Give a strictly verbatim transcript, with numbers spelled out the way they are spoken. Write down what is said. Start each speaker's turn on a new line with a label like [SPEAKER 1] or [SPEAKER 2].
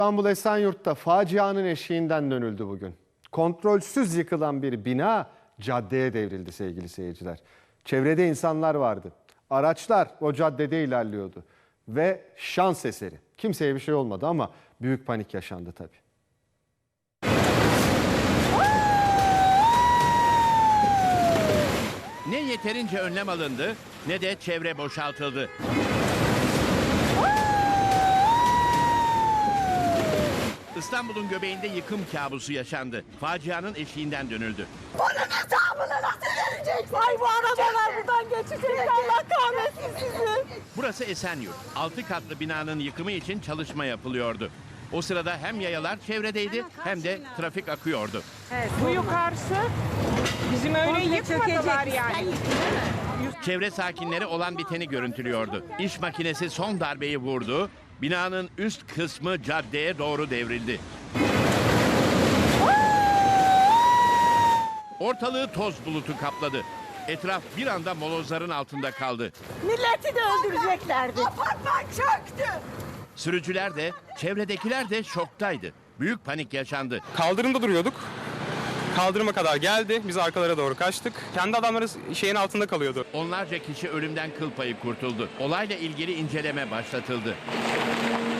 [SPEAKER 1] İstanbul Esenyurt'ta facianın eşiğinden dönüldü bugün. Kontrolsüz yıkılan bir bina caddeye devrildi sevgili seyirciler. Çevrede insanlar vardı. Araçlar o caddede ilerliyordu. Ve şans eseri. Kimseye bir şey olmadı ama büyük panik yaşandı tabii.
[SPEAKER 2] Ne yeterince önlem alındı ne de çevre boşaltıldı. İstanbul'un göbeğinde yıkım kabusu yaşandı. Facianın eşiğinden dönüldü.
[SPEAKER 3] Bunun hesabını nasıl vereceksin? Ay bu arabalar buradan geçecek. Allah kahretsin sizi.
[SPEAKER 2] Burası Esenyurt. Altı katlı binanın yıkımı için çalışma yapılıyordu. O sırada hem yayalar çevredeydi hem de trafik akıyordu.
[SPEAKER 4] Evet, bu yukarısı bizim öyle yıkmadılar yani.
[SPEAKER 2] Çevre sakinleri olan biteni görüntülüyordu. İş makinesi son darbeyi vurdu. Binanın üst kısmı caddeye doğru devrildi. Ortalığı toz bulutu kapladı. Etraf bir anda molozların altında kaldı.
[SPEAKER 3] Milleti de öldüreceklerdi. Apartman çöktü.
[SPEAKER 2] Sürücüler de, çevredekiler de şoktaydı. Büyük panik yaşandı.
[SPEAKER 5] Kaldırımda duruyorduk. Kaldırıma kadar geldi. Biz arkalara doğru kaçtık. Kendi adamları şeyin altında kalıyordu.
[SPEAKER 2] Onlarca kişi ölümden kıl payı kurtuldu. Olayla ilgili inceleme başlatıldı.